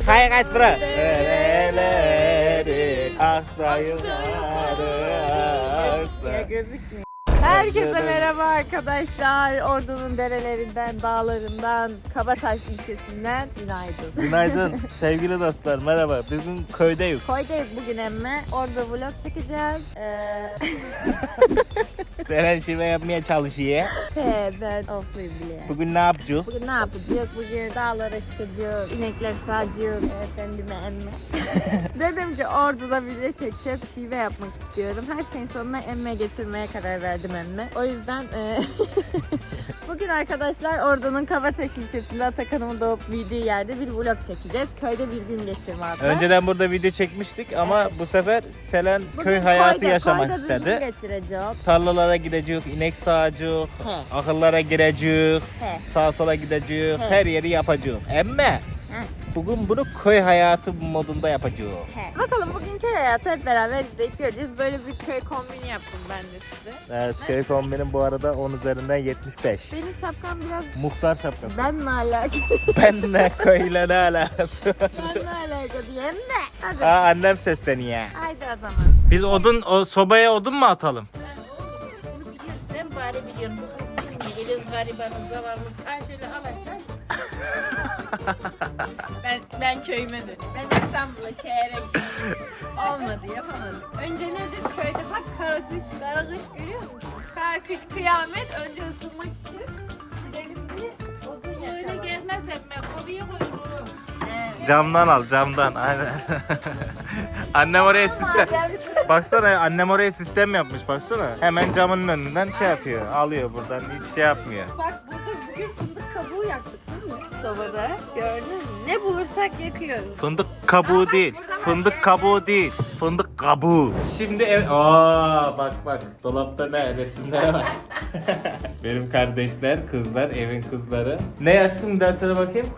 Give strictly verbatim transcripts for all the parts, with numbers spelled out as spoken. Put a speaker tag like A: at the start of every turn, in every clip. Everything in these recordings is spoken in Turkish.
A: Kaya kaç bro. Dereleri aksa yukarı aksa.
B: Gözükmüyor. Herkese merhaba arkadaşlar. Ordu'nun derelerinden, dağlarından, Kabataş ilçesinden günaydın.
A: Günaydın sevgili dostlar, merhaba. Bugün köydeyiz.
B: Koydayız bugün emme. Orada vlog çekeceğiz. Ee...
A: Seren şive yapmaya çalışıyor.
B: He, ben ofluyum bile.
A: Bugün ne yapacağız?
B: Bugün ne yapacağız? Bugün dağlara çıkacağız. İnekler sağacağız. Efendime emme. Dedim ki Ordu'da video çekeceğiz. Şive yapmak istiyorum. Her şeyin sonuna emme getirmeye karar verdim emme. O yüzden e, bugün arkadaşlar Ordu'nun Kabataş ilçesinde Atakan'ımın doğup büyüdüğü yerde bir vlog çekeceğiz. Köyde bir gün geçirme.
A: Önceden burada video çekmiştik ama
B: Evet.
A: bu sefer Selen
B: Bugün
A: köy hayatı
B: koyda,
A: yaşamak
B: koyda bir gün
A: istedi.
B: geçireceğiz.
A: Tarlalara gideceğiz, inek sağacağız,
B: He.
A: ahırlara gireceğiz,
B: He.
A: sağa sola gideceğiz,
B: He.
A: her yeri yapacağız. Emme bugün bunu köy hayatı modunda yapacağız.
B: He. Bakalım bugün köy hayatı hep beraber izleyip göreceğiz. Böyle bir köy kombini yaptım ben de size.
A: Evet, köy kombinim bu arada on üzerinden yetmiş beş.
B: Benim şapkam biraz
A: Muhtar şapkası.
B: benle alakalı.
A: Benle köyle ne alakası var?
B: benle alakalı diyeyim de. Hadi.
A: Aa, annem sesleniyor.
B: Haydi o zaman.
A: Biz odun, o sobaya odun mu atalım?
C: Bunu biliyorsun, sen bari biliyorsun. Bu kız bilmiyor. Geliyoruz garibanız, zavallımız. Ay şöyle al aşağı. ben, ben köyüme dönüyorum. Ben İstanbul'a, şehre gittim. Olmadı, yapamadım. Önce nedir? Köyde bak kara kış, kara kış görüyor musun? Kara kış kıyamet. Önce ısınmak için. Gidelim bir odun yaşamak. Öyle gezmez etme. Koruya koyuyorum.
A: Camdan al, camdan. Aynen. Annem oraya sistem. Baksana, annem oraya sistem yapmış, baksana. Hemen camın önünden şey yapıyor, alıyor buradan, hiç şey yapmıyor.
B: Bak burada bugün fındık kabuğu yaktık değil mi? Sobada. Gördün mü? Ne bulursak yakıyoruz.
A: Fındık kabuğu değil, fındık kabuğu değil, fındık kabuğu. Şimdi ev... Aa, bak bak, dolapta ne, resimlere bak. Benim kardeşler, kızlar, evin kızları. Ne aşkım, dersene bakayım.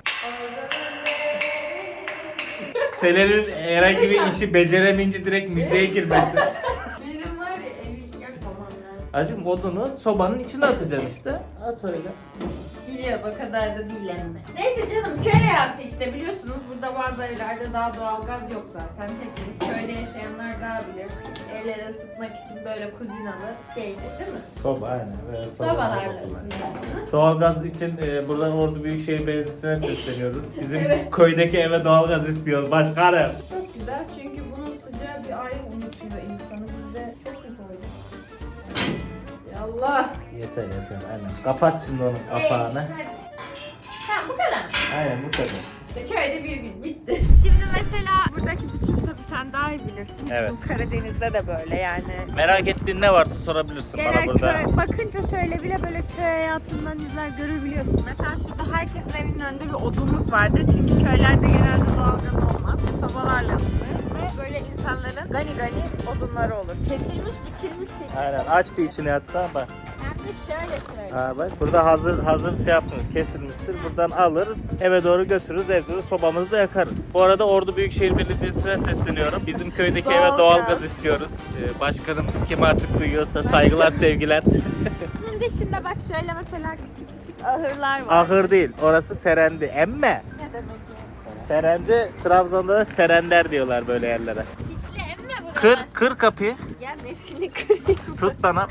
A: Selen'in herhangi bir işi beceremeyince direkt müziğe girmesi.
B: Benim var ya evi yapamam lazım.
A: Acım odunu sobanın içine atacaksın işte. At öyle.
B: Biliyoruz o kadar da değil emme. Neyse canım köy hayatı işte biliyorsunuz burada bazı evlerde daha doğalgaz yok zaten. Hepimiz köyde yaşayanlar daha bilir. Evleri ısıtmak için böyle kuzinalı şeydi değil mi?
A: Soba aynen. Böyle soba
B: Sobalarla
A: yapıyorlar.
B: ısıtıyorsunuz.
A: Doğalgaz için e, buradan Ordu Büyükşehir Belediyesi'ne sesleniyoruz. Bizim
B: Evet.
A: köydeki eve doğalgaz istiyoruz başkanım.
B: Çok güzel çünkü bunun sıcağı bir ayrı unutuyor insanı. Bizde çok iyi koyduk. Yallah.
A: Yeter yeter aynen. Kapat şimdi onun kapağını.
B: Hadi. Ha bu kadar.
A: Aynen bu kadar.
B: İşte köyde bir gün bitti. Şimdi mesela buradaki bütün tabii sen daha iyi bilirsin.
A: Evet.
B: Bizim Karadeniz'de de böyle yani.
A: Merak ettiğin ne varsa sorabilirsin bana
B: Genel
A: burada.
B: köy, bakınca şöyle bile böyle köy hayatından izler görebiliyorsun. Mesela şurada herkesin evinin önünde bir odunluk vardır. Çünkü köylerde genelde doğalgaz olmaz. Ve sobalarla ısınır. Ve böyle insanların gani gani odunları olur. Kesilmiş bitirmiş şekilde.
A: Aynen aç bir içini hatta bak.
B: Hem de şöyle şöyle.
A: Ha bak burada hazır hazır şey yapmıyoruz, kesilmiştir. Buradan alırız, eve doğru götürürüz, evde de sobamızı da yakarız. Bu arada Ordu Büyükşehir Belediyesi'ne sesleniyorum. Bizim köydeki eve
B: Doğalgaz.
A: doğalgaz istiyoruz. Ee, başkanım kim artık duyuyorsa saygılar, sevgiler.
B: Şimdi şimdi bak şöyle mesela küçük küçük ahırlar var.
A: Ahır değil, orası serendi. Emme.
B: Ne demek yani?
A: Serendi, Trabzon'da da serender diyorlar böyle yerlere.
B: Hiçli emme bu.
A: Kır, kır kapıyı.
B: Ya nesini kırayım?
A: Tut bana.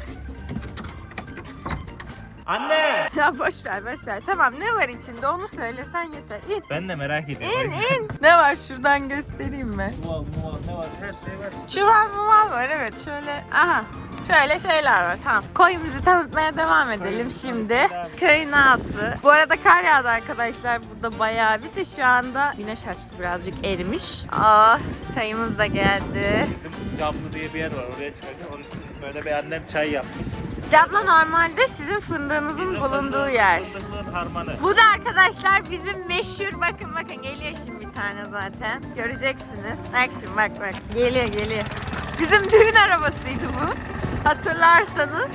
A: Anne!
B: Ya boş ver boş ver. Tamam ne var içinde onu söylesen yeter. İn.
A: Ben de merak ediyorum.
B: İn in. Ne var şuradan göstereyim mi?
A: Muval, muval ne var? Her şey var.
B: Çuval muval var evet şöyle. Aha. Şöyle şeyler var tamam. Koyumuzu tanıtmaya devam edelim şimdi. Köy nası. Bu arada kar yağdı arkadaşlar burada bayağı bir de şu anda güneş açtı birazcık erimiş. Ah çayımız da geldi.
A: Bizim Camlı diye bir yer var, oraya çıkacağım. Onun için böyle bir annem çay yapmış.
B: Camla normalde sizin fındığınızın
A: Bizim
B: bulunduğu
A: fındık-
B: yer.
A: Fındıklığın harmanı.
B: Bu da arkadaşlar bizim meşhur bakın bakın geliyor şimdi bir tane zaten. Göreceksiniz. Bak şimdi bak bak geliyor geliyor. Bizim düğün arabasıydı bu. Hatırlarsanız.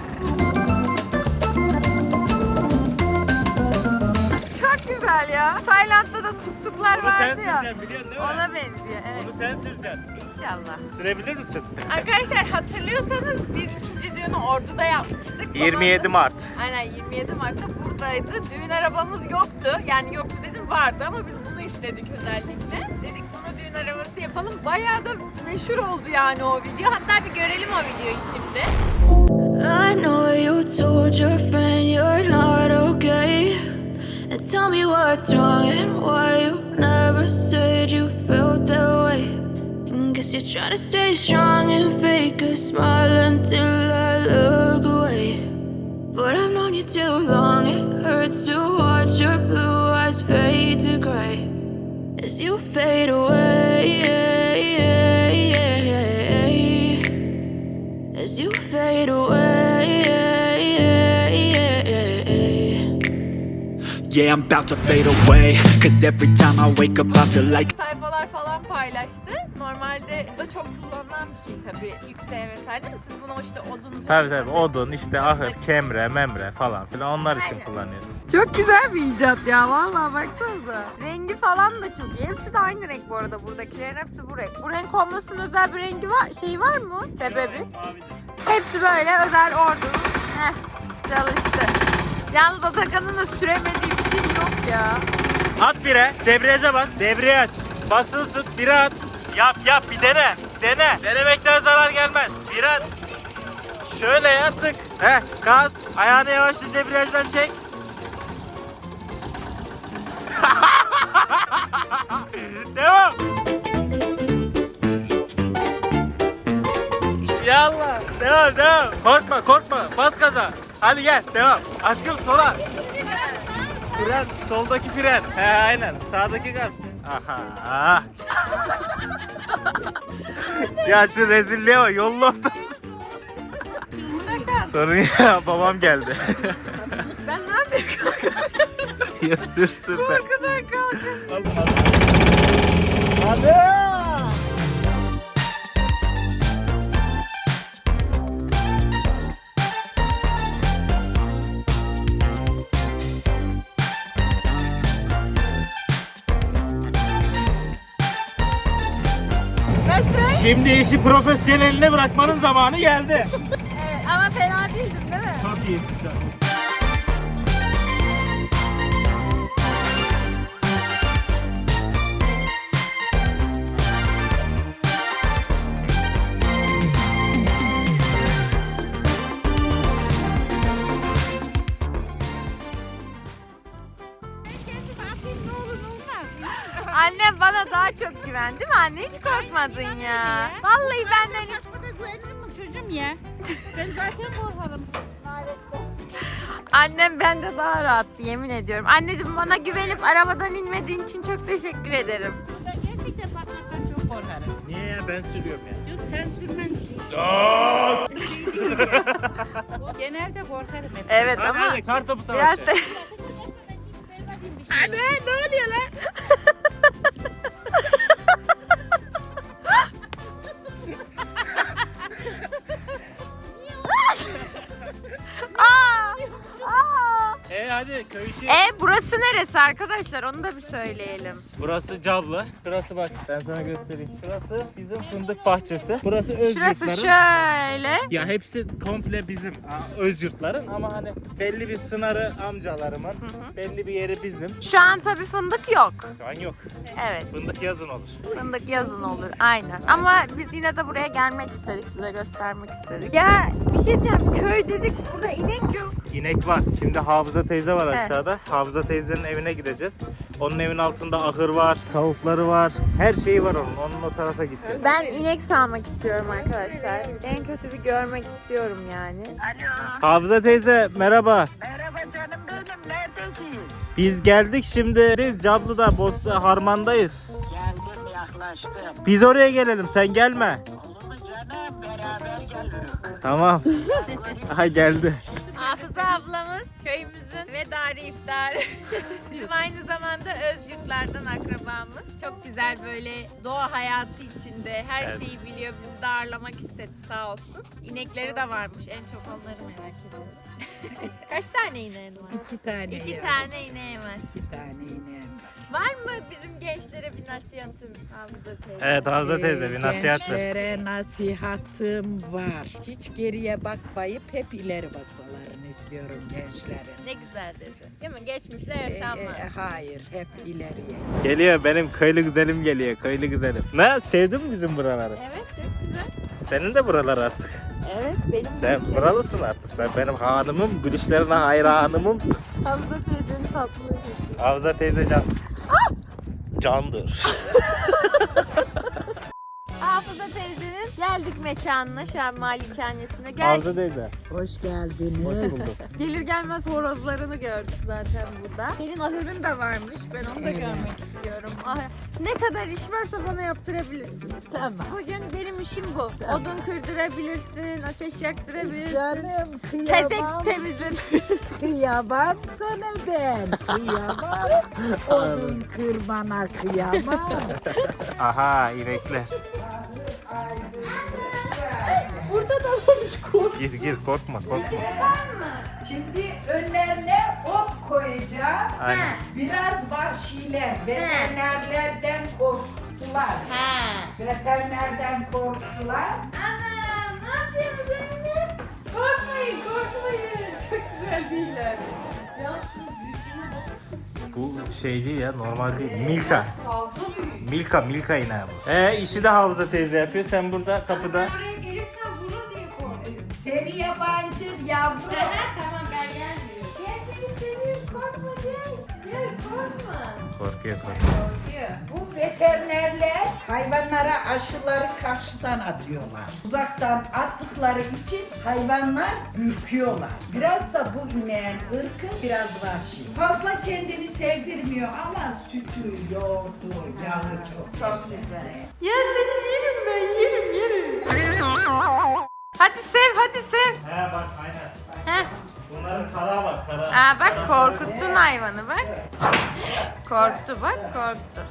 B: Çok güzel ya. Tayland'da da tuktuklar
A: Onu sen
B: vardı ya.
A: süreceksin biliyorsun değil mi?
B: Ona benziyor evet.
A: Onu sen süreceksin.
B: İnşallah.
A: Sürebilir misin?
C: Arkadaşlar hatırlıyorsanız biz ikinci düğünü Ordu'da yapmıştık.
A: yirmi yedi Mart.
C: Aynen yirmi yedi Mart'ta buradaydı. Düğün arabamız yoktu. Yani yoktu dedim vardı ama biz bunu istedik özellikle. Dedik bunu düğün arabası yapalım. Bayağı da meşhur oldu yani o video. Hatta bir görelim o videoyu şimdi.
D: I know you told your friend you're not okay. And tell me what's wrong and why you never said you felt that way. And guess you're trying to stay strong and fake a smile until I look away. But I've known you too long, it hurts to watch your blue eyes fade to gray as you fade away. As you fade away.
E: Yeah, I'm about to fade away. Cause every time I wake up I feel like
C: Sayfalar falan paylaştı. Normalde bu da çok kullanılan bir şey tabii. Yükseğe vesaire değil mi? Siz bunu işte odun...
A: Tabii tabii odun işte ahır, kemre, memre falan filan onlar için
C: Aynen.
A: kullanıyoruz.
B: Çok güzel bir icat ya vallahi baksanıza. Rengi falan da çok iyi. Hepsi de aynı renk bu arada buradakilerin hepsi bu renk. Bu renk olmasının özel bir rengi var, şey var mı? Sebebi? Hepsi böyle özel ordunun. Heh, çalıştı. Yalnız Atakan'ın da süremediği bir şey yok ya.
A: At bire, debriyaja bas, debriyaj. Basılı tut, bire at. Yap yap bir dene, dene. Denemekten zarar gelmez. Bire at. Şöyle ya tık. Heh, gaz. Ayağını yavaşça debriyajdan çek. Devam. Yallah. Devam devam. Korkma korkma. Bas gaza. Hadi gel devam. Aşkım sola. Fren. Soldaki fren. He aynen. Sağdaki gaz. Aha. Ya şu rezilliğe bak. Yolun ortası. Sorun ya babam geldi.
C: Ben ne yapayım?
A: Ya sür sür sen.
C: Korkudan kalkın.
A: Hadi.
B: Nasıl?
A: Şimdi işi profesyoneline bırakmanın zamanı geldi.
B: Evet, ama fena değildin değil mi?
A: Çok iyisin sen.
B: Annem bana daha çok güven değil mi anne? Hiç korkmadın ya. Vallahi benden hiç...
F: Güvenilir mi çocuğum ya? Ben zaten korkarım.
B: Annem bende daha rahattı yemin ediyorum. Anneciğim bana güvenip arabadan inmediğin için çok teşekkür ederim.
F: Ben gerçekten patmaktan çok korkarım.
A: Niye ya ben sürüyorum ya.
F: Yok sen sürmen. Genelde korkarım hep.
B: Evet
A: Hadi
B: ama
A: hadi kartopu
B: biraz
A: savaşı.
B: da...
F: Anne ne oluyor lan?
B: Aa! Aa!
A: E hadi köy işi.
B: E burası neresi arkadaşlar? Onu da bir söyleyelim.
A: Burası Cablı. Şurası bak ben sana göstereyim. Şurası bizim fındık bahçesi. Burası öz
B: Şurası
A: yurtların.
B: şöyle.
A: Ya hepsi komple bizim aa, öz yurtların ama hani belli bir sınırı amcalarımın, belli bir yeri bizim.
B: Şu an tabii fındık yok.
A: Şu an yok.
B: Evet.
A: Fındık yazın olur.
B: Fındık yazın olur aynen. Ama biz yine de buraya gelmek istedik. Size göstermek istedik. Ya bir şey diyeceğim. Köy dedik. Burada inek yok.
A: İnek var. Şimdi Hafıza teyze var
B: Evet.
A: aşağıda. Hafıza teyzenin evine gideceğiz. Onun evin altında ahır var, tavukları var. Her şeyi var onun. Onun o tarafa gideceğiz.
B: Ben inek sağmak istiyorum arkadaşlar. En kötü bir görmek istiyorum yani.
A: Hafıza teyze merhaba.
G: Merhaba canım benim, neredesin?
A: Biz geldik şimdi. Biz Cablı'da, Bosna, Harman'dayız.
G: Geldim, yaklaştım.
A: Biz oraya gelelim, sen gelme.
G: Olur mu canım? Beraber gelirim.
A: Tamam. Aha geldi.
C: Hafıza ablamız köyümüzün ve Dari İftar. Bizim aynı zamanda Özyurtlardan akrabamız. Çok güzel böyle doğa hayatı içinde her
A: Evet.
C: şeyi biliyor. Bizi de ağırlamak istedi sağ olsun. İnekleri de varmış. En çok onları merak ediyorum. Kaç tane ineğin var?
H: İki tane
C: İki
H: ya.
C: tane ineği var.
H: İki tane ineğim var.
C: Var mı bizim gençlere bir nasihatın Hamza teyze?
A: Evet Hamza teyze bir nasihat ver.
H: Gençlere nasihatım var. Hiç geriye bakmayıp hep ileri bakmalarını istiyorum gençlerin.
C: Ne güzel dedi. Değil mi? Geçmişte
H: E,
C: yaşanmaz.
H: e, hayır, hep ileriye.
A: Geliyor benim köylü güzelim geliyor köylü güzelim. Ne sevdin mi bizim buraları?
C: Evet çok güzel.
A: Senin de buralar artık.
C: Evet benim
A: Sen buralısın artık. Sen benim hanımım, gülüşlerine hayranımımsın.
B: Hamza teyzenin tatlılığı.
A: Havza teyze can. Candır.
B: Hafıza teyzenin geldik mekanına, şu an malikanesine. Gel,
A: Havza teyze.
H: Hoş geldiniz.
B: gelir gelmez horozlarını gördük zaten burada. Senin ahırın da varmış. Ben onu da
H: Evet.
B: görmek istiyorum. Ah, ne kadar iş varsa bana yaptırabilirsin.
H: Tamam.
B: Bugün benim işim bu. Odun kırdırabilirsin, ateş yaktırabilirsin.
H: Canım
B: Pesek
H: kıyamam.
B: temizle.
H: Kıyamam sana ben. Kıyamam. Odun kırmana kıyamam.
A: Aha inekler.
H: Burada da varmış kurt.
A: Gir gir korkma korkma.
H: Şimdi önlerine ot koyacağım.
A: Aynen.
H: Biraz vahşiler, veterinerlerden korktular.
C: Ha.
H: Veterinerden korktular.
C: Anam ne yapıyorsunuz anne? Korkmayın korkmayın. Çok güzel değiller. Ya şu büyüklüğüne bakın.
A: Bu şey değil ya normal değil. Milka.
C: Fazla büyük.
A: Milka Milka ineği bu. Ee işi de Havza teyze yapıyor. Sen burada kapıda.
C: Oraya gelirsen vurur diye korkuyorum.
H: Seni yabancı yavrum.
C: Tamam gel gel diyor. Gel seni seviyorum korkma gel. Gel korkma.
A: Korkuyor korkuyor.
C: Korkuyor.
H: Bu veterinerler hayvanlara aşıları karşıdan atıyorlar. Uzaktan attıkları için hayvanlar ürküyorlar. Biraz da bu ineğin ırkı biraz vahşi. Fazla kendini sevdirmiyor ama sütü, yoğurdu, yağı çok, çok güzel.
C: Ya seni yerim ben yerim yerim. Hadi sev hadi sev.
A: He bak aynen.
C: Heh.
A: Bunların kara bak kara.
C: Aa bak korkuttun hayvanı bak. Korktu bak korktu.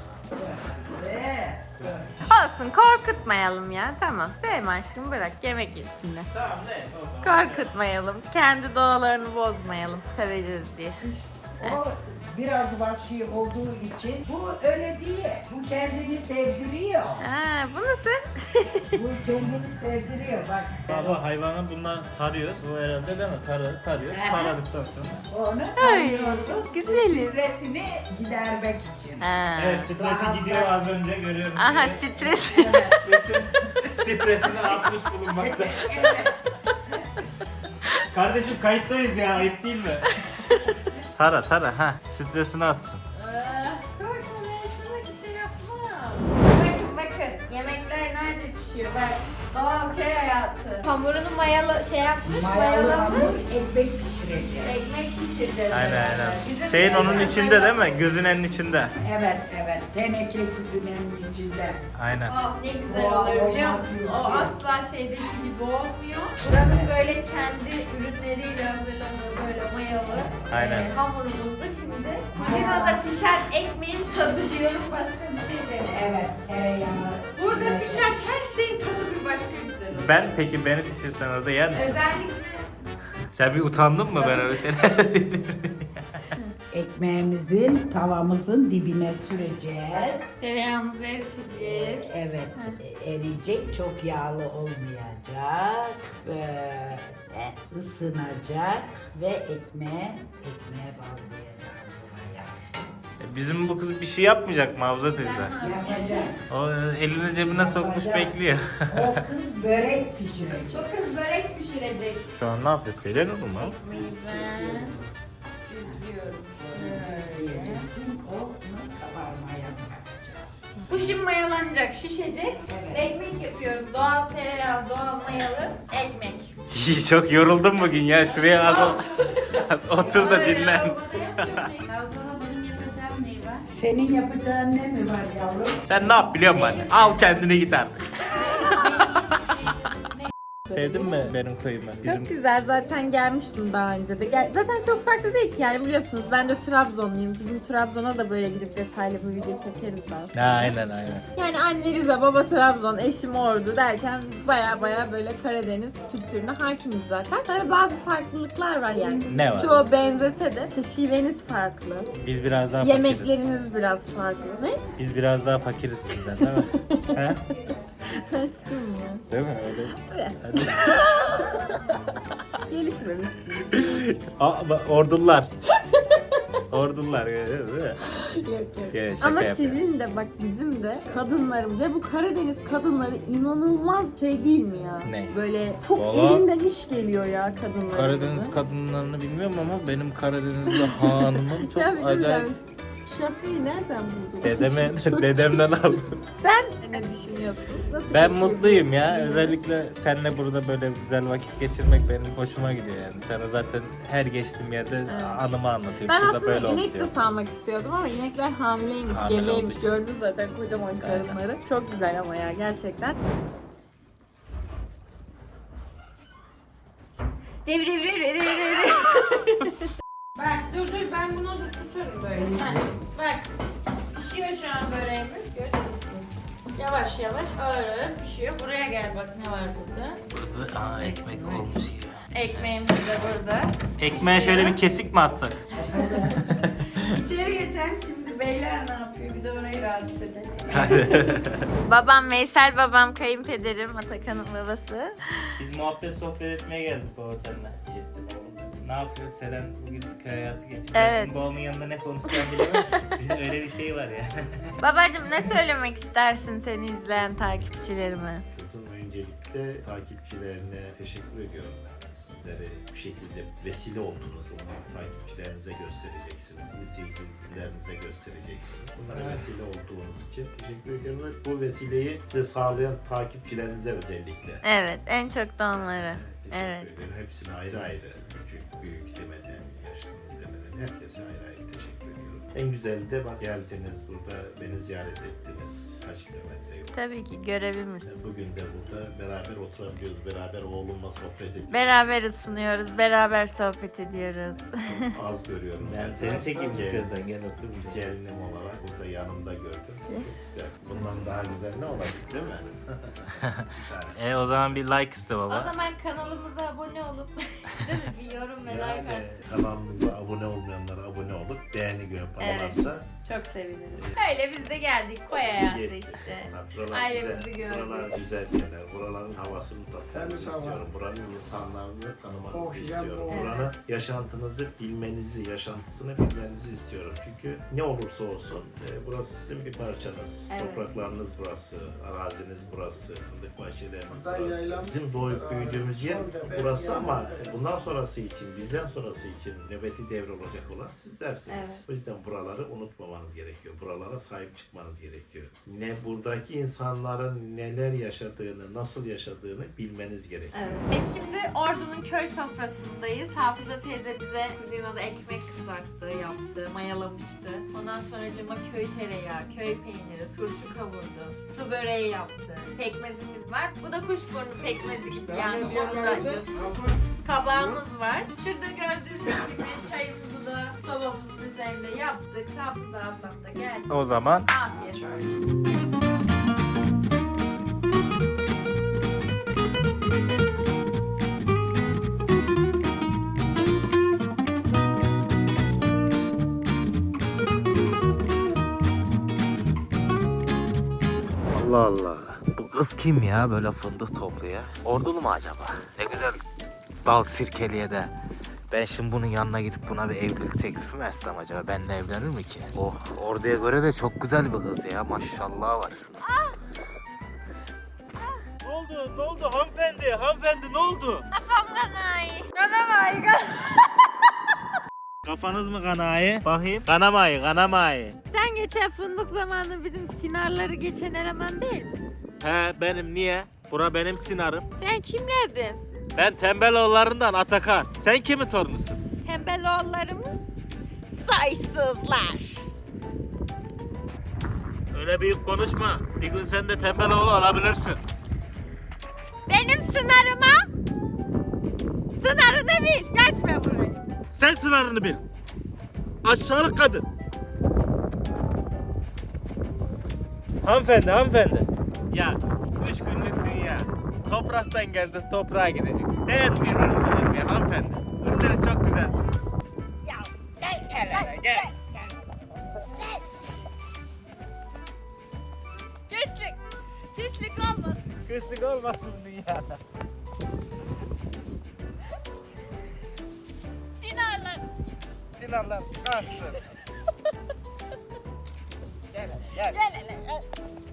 C: Olsun korkutmayalım ya tamam. Sevme aşkım bırak yemek yesinler.
A: Tamam ne? O zaman.
C: Korkutmayalım. Kendi doğalarını bozmayalım. Seveceğiz diye.
H: O biraz vahşi olduğu için bu öyle değil. Bu kendini sevdiriyor.
C: Ha, bu nasıl?
H: Bu kendini sevdiriyor bak.
A: Baba hayvanı bundan tarıyoruz. Bu herhalde değil mi? Tarı, tarıyoruz. Taradıktan sonra.
H: Onu
C: Ay,
H: tanıyoruz.
C: güzelim.
H: Stresini gidermek için.
C: Ha.
A: Evet stresi gidiyor az önce görüyorum.
C: Aha
A: sizi.
C: stres.
A: Stresin, stresini atmış bulunmakta. Kardeşim kayıttayız ya ayıp değil mi? Tara tara ha stresini atsın.
C: Korkma ben sana bir şey yapmam. Bakın bakın yemekler nerede pişiyor bak. Doğal köy hayatı. Hamurunu mayalı şey yapmış,
H: Mayalamış
C: mayalamış.
H: ekmek pişireceğiz.
C: Ekmek pişireceğiz.
A: Aynen
C: beraber.
A: aynen.
C: Bizim
A: Şeyin onun
C: bizim
A: içinde değil mi?
C: mayalı-
A: Gözünenin içinde.
H: Evet evet. Teneke kuzinenin içinde.
A: Aynen.
C: Oh, ne güzel
H: Doğal
C: oluyor biliyor
H: olması
C: musun? O
H: için.
C: asla şeydeki gibi olmuyor. Buranın böyle kendi ürünleriyle hazırlanıyor böyle mayalı.
A: Aynen.
C: Ee, hamurumuz da şimdi. Kuzinada pişen ekmeğin tadı diyorum başka bir şey demiyorum.
H: Evet tereyağı.
C: Burada
H: Evet.
C: pişen her şeyin tadı bir başka güzel oluyor.
A: Ben peki beni pişirsen orada yer misin?
C: Özellikle
A: Sen bir utandın mı ben öyle şeyler dedim.
H: Ekmeğimizin tavamızın dibine süreceğiz.
C: tereyağımızı eriteceğiz.
H: Evet eriyecek, çok yağlı olmayacak. Böyle ısınacak ve ekmeğe, ekmeğe bazlayacağız buraya.
A: Bizim bu kız bir şey yapmayacak mı Havza teyze?
H: Yapacak.
A: O elini cebine sokmuş
H: Yapacak.
A: bekliyor.
H: O kız börek pişirecek.
C: Bu kız börek pişirecek.
A: Şu an ne yapıyor? Selen olur mu?
C: Ekmeği ben düzlüyorum.
H: Düzleyeceksin, onu kabarmaya bırakacağız.
C: Bu şimdi mayalanacak, şişecek. Ekmek yapıyoruz. Doğal tereyağı, doğal mayalı ekmek.
A: İyi, çok yoruldum bugün ya. Şuraya az, o- az otur da dinlen.
C: Havzana benim yapacağım neyi var?
H: Senin yapacağın ne mi var yavrum?
A: Sen ne yap biliyor musun anne? Al kendine git artık. Sevdin mi benim köyümü? Bizim
B: Çok güzel. Zaten gelmiştim daha önce de. Gel- Zaten çok farklı değil ki yani biliyorsunuz. Ben de Trabzonluyum. Bizim Trabzon'a da böyle gidip detaylı bir video çekeriz daha sonra.
A: aynen aynen.
B: Yani anne Rize, baba Trabzon, eşim Ordu derken biz baya baya böyle Karadeniz kültürüne hakimiz zaten. Tabii bazı farklılıklar var yani.
A: Ne var?
B: Çoğu benzese de şiveniz farklı.
A: Biz biraz daha fakiriz.
B: Yemekleriniz biraz farklı. Ne?
A: Biz biraz daha fakiriz sizden değil mi? He?
B: Aşkım ya.
A: Değil mi öyle?
B: Biraz.
A: Hadi.
B: Gelişmemişsiniz.
A: Aa, bak, ordular. Ordular. Değil mi?
B: Yok yok.
A: Ya, şaka
B: Ama
A: yapıyorum.
B: sizin de bak bizim de kadınlarımız ve bu Karadeniz kadınları inanılmaz şey değil mi ya?
A: Ne?
B: Böyle çok
A: Vallahi-
B: elinden iş geliyor ya kadınların.
A: Karadeniz kadınlarını bilmiyorum ama benim Karadenizli hanımım çok
B: Ya bir şey
A: acayip.
B: diyeceğim. Şapkayı nereden buldun?
A: Dedeme, dedemden aldım.
B: Sen ne düşünüyorsun? Nasıl
A: Ben
B: geçiyor
A: mutluyum
B: bu
A: ya.
B: günün?
A: Özellikle seninle burada böyle güzel vakit geçirmek benim hoşuma gidiyor yani. Sana zaten her geçtiğim yerde
B: Evet.
A: anımı anlatıyorum.
B: Ben
A: Şurada
B: aslında
A: böyle oldu
B: inek de
A: diyor.
B: sağmak istiyordum ama inekler hamileymiş,
A: Hamile
B: gebeymiş.
A: olduğu için.
B: Gördün zaten kocaman karınları. Çok güzel ama ya gerçekten. Rev rev rev rev rev rev. Bak dur dur ben bunu tuturum böyle. Heh, Bak pişiyor şu an böreğimiz. Gördün mü? Yavaş yavaş ağır ağır pişiyor. Buraya gel bak ne var burada.
A: Burada aa, ekmek olmuş ya.
B: Ekmeğimiz de burada.
A: Ekmeğe şöyle bir kesik mi atsak?
B: İçeri geçelim şimdi beyler ne yapıyor? Bir de orayı rahatsız edelim. babam Veysel babam, kayınpederim Atakan'ın babası.
A: Biz muhabbet sohbet etmeye geldik baba seninle. Ne yapıyorsun Selen bugün köy hayatı geçiriyor.
B: Evet.
A: Şimdi babamın yanında ne konuşacağım bilemem. Bir de öyle bir şey var ya.
B: Babacım ne söylemek istersin seni izleyen takipçilerime?
I: Kızım öncelikle takipçilerine teşekkür ediyorum. Yani sizlere bu şekilde vesile oldunuz. Bunu takipçilerinize göstereceksiniz. İzleyicilerinize göstereceksiniz. Bunlara vesile olduğunuz için teşekkür ediyorum. Ve bu vesileyi size sağlayan takipçilerinize özellikle.
B: Evet en çok da onlara.
I: Teşekkür
B: Evet.
I: ederim. Hepsine ayrı ayrı, küçük, büyük demeden, yaşlınız demeden herkese ayrı ayrı teşekkür ediyorum. En güzeli de bak geldiniz burada, beni ziyaret ettiniz. Kaç kilometre yol.
B: Tabii ki görevimiz.
I: Bugün de burada beraber oturabiliyoruz, beraber oğlumla sohbet ediyoruz.
B: Beraber ısınıyoruz, beraber sohbet ediyoruz.
I: Çok az görüyorum.
A: Ben seni çekeyim
I: Gel-
A: istiyorsan gel otur buraya.
I: Gelinim olarak burada yanımda gördüm. Çok güzel. Bundan daha güzel ne olabilir değil mi? Bir tane.
A: E o zaman bir like iste
B: O
A: baba.
B: zaman kanalımıza abone olup değil mi? Bir yorum ve like
I: Yani
B: atsın.
I: kanalımıza abone olmayanlara abone olup beğeni yaparlarsa
B: Çok seviniriz. Öyle biz de geldik koy hayatı işte.
I: Buralar
B: Ailemizi
I: güzel,
B: gördük.
I: buralar güzel yerler. Buraların havasını tatmanızı istiyorum. Buranın insanlarını tanımanızı istiyorum. Buranın yaşantınızı bilmenizi, yaşantısını bilmenizi istiyorum. Çünkü ne olursa olsun e, burası sizin bir parçanız.
B: Evet.
I: Topraklarınız burası, araziniz burası, fındık bahçeleriniz burası. Bizim doğup büyüdüğümüz yer burası ama bundan sonrası için, bizden sonrası için nöbeti devrolacak olan sizlersiniz.
B: Evet.
I: O yüzden buraları unutmamanız gerekiyor. Buralara sahip çıkmanız gerekiyor. Ne buradaki insanların neler yaşadığını, nasıl yaşadığını bilmeniz gerekiyor.
B: Evet. Biz şimdi Ordu'nun köy sofrasındayız. Hafıza teyze bize kuzinada ekmek kızarttı, yaptı, mayalamıştı. Ondan sonra cıma köy tereyağı, köy peyniri, turşu kavurdu, su böreği yaptı. Pekmezimiz var. Bu da kuşburnu pekmezi gibi yani onu da diyorsunuz. Kabağımız var. Şurada gördüğünüz gibi çayımızı da sobamızın üzerinde yaptık. Hafıza ablam da geldi.
A: O zaman
B: Afiyet olsun.
A: Allah Allah. Bu kız kim ya böyle fındık topluyor? Ordulu mu acaba? Ne güzel dal sirkeliye de. Ben şimdi bunun yanına gidip buna bir evlilik teklifi mi etsem acaba? Benimle evlenir mi ki? Oh, orduya göre de çok güzel bir kız ya. Maşallah var. Ne oldu? Ne oldu hanımefendi? Hanımefendi ne oldu?
B: Kafam kanayı. Kanamayı
A: Kafanız mı kanayı? Bakayım. Kanamayı, kanamayı.
B: Sen geçen fındık zamanı bizim sinarları geçen eleman değil misin?
A: He benim niye? Bura benim sinarım.
B: Sen kimlerdensin?
A: Ben Tembeloğullarından Atakan. Sen kimin torunusun?
B: Tembeloğulları mı? Saysızlar.
A: Öyle büyük konuşma. Bir gün sen de Tembeloğlu olabilirsin.
B: Benim sınarıma
C: Sınırını bil. Geçme burayı.
A: Sen sınırını bil. Aşağılık kadın. Hanımefendi, hanımefendi. Ya üç günlük dünya. Topraktan geldin, toprağa gidecek. Değer birbirinize vermeye hanımefendi. Üstelik çok güzelsiniz.
C: Ya gel
A: Gel hele, gel.
C: Keslik. Keslik olmaz.
A: Kıslık olmasın dünyada.
C: Sinarlar.
A: Sinanlar kalksın. Gel hele, gel.
C: Gel hele. Gel.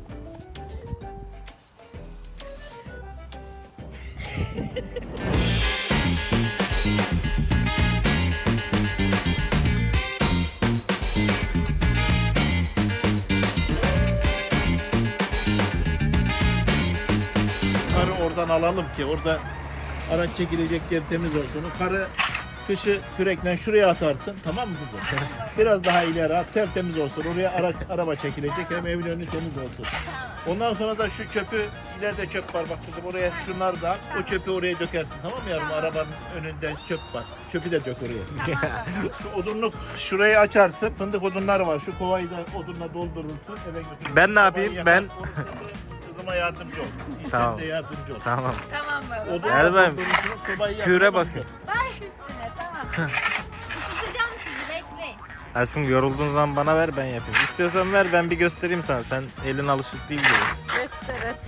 I: Karı oradan alalım ki orada araç çekilecek yer temiz olsun. O karı kışı kürekle şuraya atarsın, tamam mı kızım? Biraz daha ileri at, tertemiz olsun. Oraya araç, araba çekilecek, hem evin önü temiz olsun. Ondan sonra da şu çöpü, ileride çöp var bak kızım, oraya şunları da at, o çöpü oraya dökersin, tamam mı yavrum? Arabanın önünde çöp var, çöpü de dök oraya. Şu odunluk şurayı açarsın, fındık odunları var, şu kovayı da odunla doldurursun, eve götürürsün.
A: Ben ne yapayım?
I: Kovayı
A: Ben-
I: yakarsın, kızıma yardımcı ol. İyi,
A: Tamam.
I: sen de yardımcı ol.
A: Tamam.
C: Tamam baba.
I: Odun
A: Gel ben
I: doldurursun, sobayı
A: küre
I: yakma,
A: bakayım.
C: Baş üstüne tamam. Tutacağım sizi bekleyin.
A: Aşkım yorulduğun zaman bana ver, ben yapayım. İstiyorsan ver, ben bir göstereyim sana. Sen elin alışık değil gibi.
B: Göster et.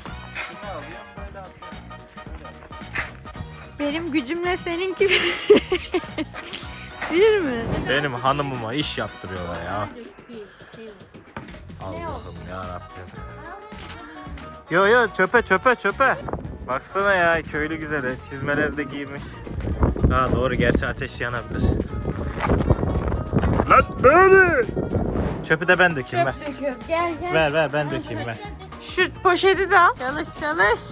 B: Benim gücümle seninki bir mi?
A: Benim hanımıma iş yaptırıyorlar ya. Allah'ım yarabbim. Yo yo, çöpe çöpe çöpe. Baksana ya, köylü güzeli. Çizmeleri de giymiş. Ha doğru, gerçi ateş yanabilir. Lan böyle. Çöpü de ben dökeyim ver.
B: Döküyoruz. Gel gel.
A: Ver ver, ben dökeyim ver.
B: Şu poşeti de al. Çalış çalış.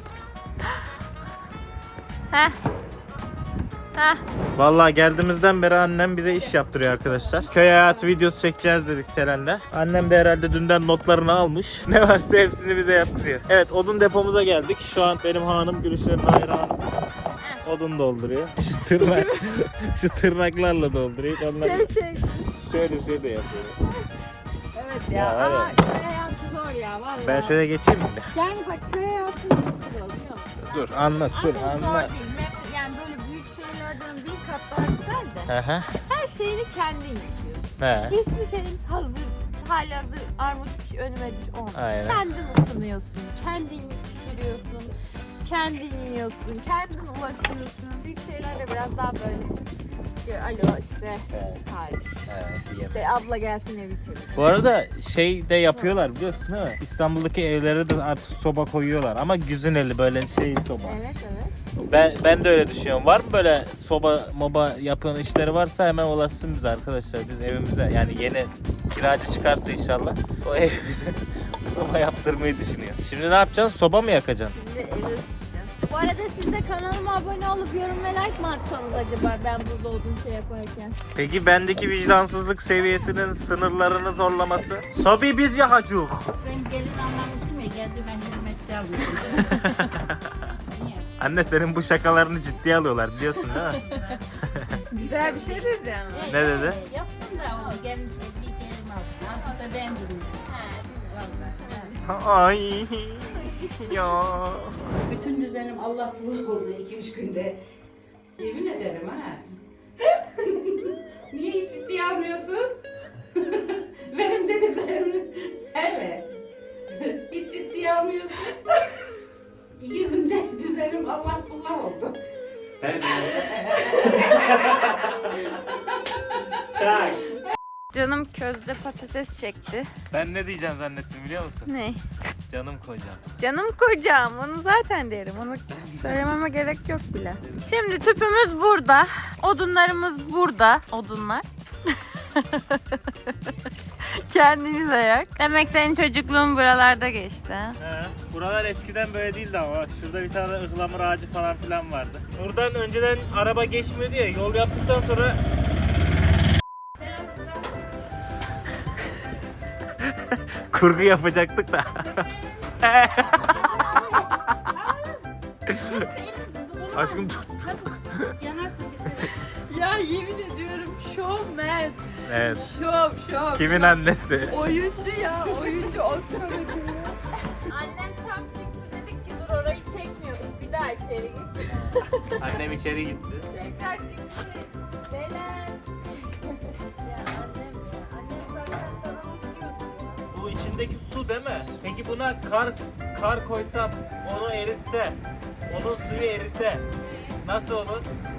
B: Heh. Heh.
A: Vallahi geldiğimizden beri annem bize iş yaptırıyor arkadaşlar. Köy hayatı videosu çekeceğiz dedik Selen'le. Annem de herhalde dünden notlarını almış. Ne varsa hepsini bize yaptırıyor. Evet, odun depomuza geldik. Şu an benim hanım Gülüşen'in hayranı odun dolduruyor. Şu tırnak, şu tırnaklarla dolduruyor. Onlar
B: Şey şey.
A: şöyle şöyle yapıyor.
B: Evet ya.
A: Ya, var ya.
B: Ama köy hayatı zor ya vallahi.
A: Ben şöyle geçeyim mi?
B: Yani bak köy hayatı nasıl zor biliyor musun?
A: Dur anlat, dur
B: Aslında zor
A: anlat.
B: değil. Me- Yani böyle büyük şeylerden bir kat daha güzel de.
A: Hı hı.
B: Her şeyini kendin yapıyorsun.
A: He.
B: Hiçbir şeyin hazır, hali hazır armut piş önüme düş olmuyor.
A: Aynen.
B: Kendin ısınıyorsun, kendin pişiriyorsun, kendin yiyorsun, kendin ulaşıyorsun. Büyük şeyler de biraz daha böyle. Alo işte,
A: Evet.
B: sipariş.
A: Evet, yemek.
B: İşte abla gelsin evi temizle.
A: Bu arada şey de yapıyorlar biliyorsun değil mi? İstanbul'daki evlere de artık soba koyuyorlar ama güzineli böyle şey soba.
B: Evet evet.
A: Ben ben de öyle düşünüyorum. Var mı böyle soba moba yapın işleri varsa hemen ulaşsın bize arkadaşlar. Biz evimize, yani yeni kiracı çıkarsa inşallah o evimize soba yaptırmayı düşünüyoruz. Şimdi ne yapacaksın? Soba mı yakacaksın?
B: Şimdi evi ısıtacağız. Bu arada siz de kanalıma abone olup yorum ve like mi atsanız acaba ben burada olduğum şey yaparken?
A: Peki bendeki vicdansızlık seviyesinin sınırlarını zorlaması? Sobayı biz yakacağız.
F: Ben gelin anlamıştım ya geldi ben hizmetçi alıyorum.
A: Anne, senin bu şakalarını ciddiye alıyorlar biliyorsun değil mi?
B: Güzel bir şey dedi ama.
A: Ne dedi?
F: Yapsın da o gelmiş bir kelim alsın. Altı da ben durmuş. Vallahi.
A: Ay ya.
F: Bütün düzenim Allah bulluk oldu iki üç günde. Yemin ederim ha. Niye hiç ciddiye almıyorsunuz? Benim dediklerimi. Evet. Hiç ciddiye almıyorsun. İki günde düzenim Allah bulluk oldu.
A: Çak.
B: Canım közde patates çekti.
A: Ben ne diyeceğim zannettim biliyor musun?
B: Ne?
A: Canım kocam.
B: Canım kocam, onu zaten derim. Onu söylememe gerek yok bile. Şimdi tüpümüz burada. Odunlarımız burada. Odunlar. Kendiniz ayak. Demek senin çocukluğun buralarda geçti. ha?
A: He, buralar eskiden böyle değildi ama bak şurada bir tane ıhlamur ağacı falan filan vardı. Buradan önceden araba geçmiyordu ya, yol yaptıktan sonra kurgu yapacaktık da. Aşkım tut.
F: Yanarsa bitti.
C: Ya yemin ediyorum showman.
A: Evet.
C: Şov şov.
A: Kimin annesi?
C: Oyuncu ya oyuncu Oscar ödülü. Annem tam çıktı dedik ki dur orayı çekmiyorduk. Bir daha içeri git.
A: Annem içeri gitti.
C: Tekrar çıktı. Selen. Ya annem ya. Annem zaten sana nasıl
A: Bu içindeki su değil mi? Peki buna kar kar koysam, onu eritse, onun suyu erise nasıl olur?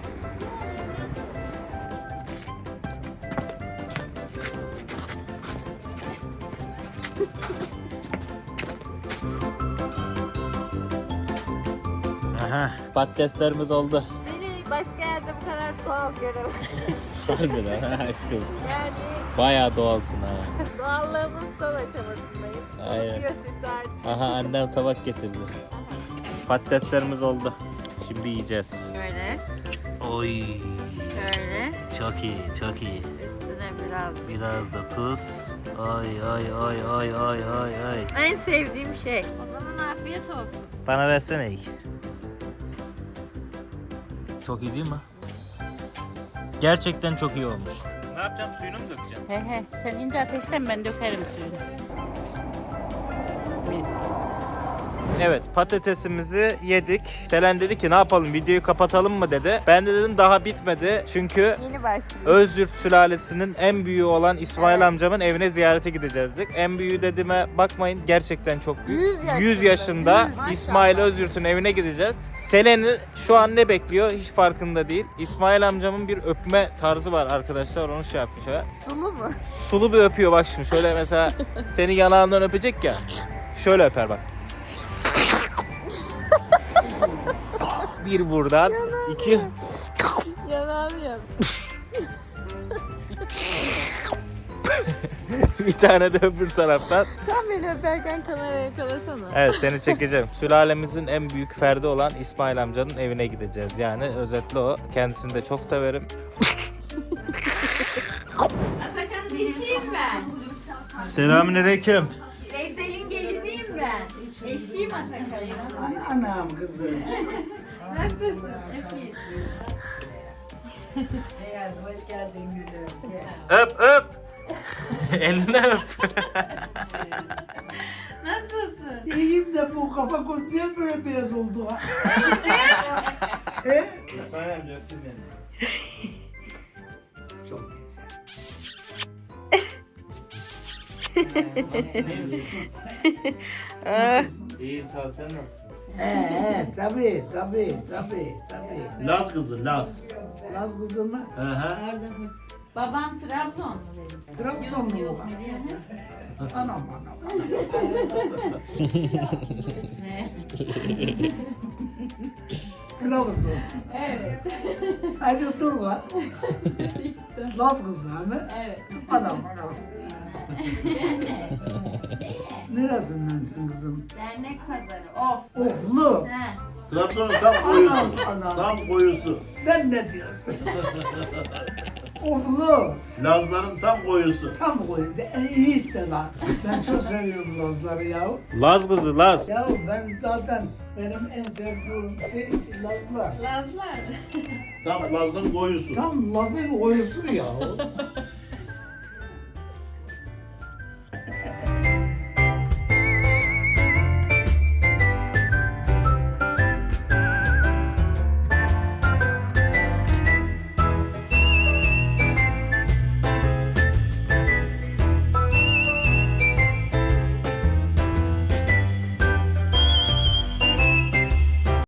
A: Aha, patateslerimiz oldu.
B: Beni başka yerde bu kadar doğal göremem.
A: Harbiden ha aşkım.
B: Yani
A: Bayağı doğalsın ha.
B: doğallığımın son aşamasındayım.
A: Aynen.
B: Götürsü artık.
A: Aha annem tabak getirdi. Patateslerimiz oldu. Şimdi yiyeceğiz.
C: Böyle.
A: Oy.
C: Şöyle.
A: Çok iyi, çok iyi.
C: Üstüne biraz.
A: Biraz da tuz. Ay ay ay ay ay ay ay.
C: En sevdiğim şey. O zaman afiyet olsun.
A: Bana versene iyi. Çok iyi değil mi? Gerçekten çok iyi olmuş. Ne yapacağım? Suyunu mu dökeceğim?
F: He he. Sen ince ateşten ben dökerim suyunu.
A: Mis. Evet, patatesimizi yedik. Selen dedi ki ne yapalım, videoyu kapatalım mı dedi. Ben de dedim daha bitmedi. Çünkü
B: Yeni başlıyor.
A: Özyurt sülalesinin en büyüğü olan İsmail
B: Evet.
A: amcamın evine ziyarete gideceğizdik. En büyüğü dediğime bakmayın, gerçekten çok büyük.
B: yüz yaşında.
A: yüz yaşında
B: yüz, maşallah.
A: İsmail Özyurt'un evine gideceğiz. Selen'i şu an ne bekliyor hiç farkında değil. İsmail amcamın bir öpme tarzı var arkadaşlar, onu şey yapmış ha.
B: Sulu mu?
A: Sulu bir öpüyor bak şimdi, şöyle mesela seni yanağından öpecek ya. Şöyle öper bak. Bir buradan, iki...
B: Yanağını yap.
A: bir tane de öbür taraftan.
B: Tam beni öperken kameraya yakalasana.
A: Evet, seni çekeceğim. Sülalemizin en büyük ferdi olan İsmail amcanın evine gideceğiz. Yani özetle o. Kendisini de çok severim.
C: Atakan eşiyim ben.
A: Selamünaleyküm.
C: Veysel'in geliniyim ben. Eşiyim Atakan'ın.
H: Ana, anam kızım.
C: Nasılsın? Öpeyim.
H: Hey, hoş geldin gülüm. Gel.
A: Öp öp. Elini öp.
C: Nasılsın?
H: İyiyim de bu kafa göz niye böyle beyaz oldu ha? He?
A: İsmail amca öptüm beni.
H: Çok
A: İyiyim, sağ ol, sen nasılsın?
H: Ee, tabii, tabii, tabii, tabii.
I: Laz kızı, Laz.
H: Laz kızı mı?
I: Hı hı.
F: Babam Trabzonlu benim.
H: Trabzonlu
F: Yok
H: mu?
F: nereye?
H: Anam, anam.
F: Ne?
H: Trabzon.
C: Evet.
H: Hadi otur lan. Laz kızı mı?
C: Evet.
H: Anam, anam. Neresindensin kızım?
C: Dernek pazarı. Of.
H: Oflu.
C: He.
I: Trabzon'un tam koyusu.
H: Anam.
I: Tam koyusu.
H: Sen ne diyorsun? Oflu.
I: Lazların tam koyusu.
H: Tam koydu. E, iyi işte lan. Ben çok seviyorum Lazları ya.
A: Laz kızı, Laz.
H: Ya ben zaten benim en sevdiğim şey Lazlar.
C: Lazlar.
I: Tam Laz'ın koyusu.
H: Tam Laz'ın koyusu ya.